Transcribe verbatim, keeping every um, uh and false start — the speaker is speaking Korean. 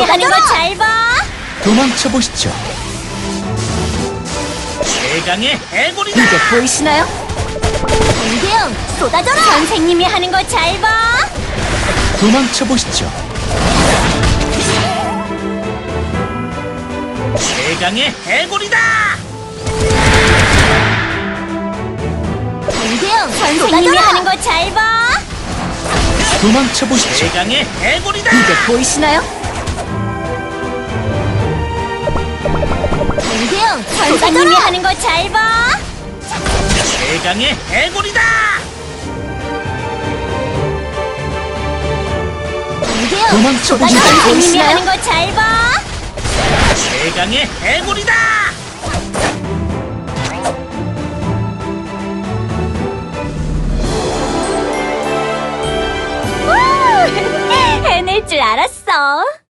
선생님이 하는 거 잘 봐. 도망쳐 보시죠. 최강의 해골이다. 이제 보이시나요? 공대형 쏟아져라. 선생님이 하는 거 잘 봐. 도망쳐 보시죠. 최강의 해골이다. 공대형 선생님이 하는 거 잘 봐. 도망쳐 보시죠. 최강의 해골이다. 이제 보이시나요? 공대형 선생님이 하는 거 잘 봐. 최강의 해골이다. 공대형 도망쳐 보시죠. 선생님이 하는 거 잘 봐. 최강의 해골이다. 해낼 줄 알았어.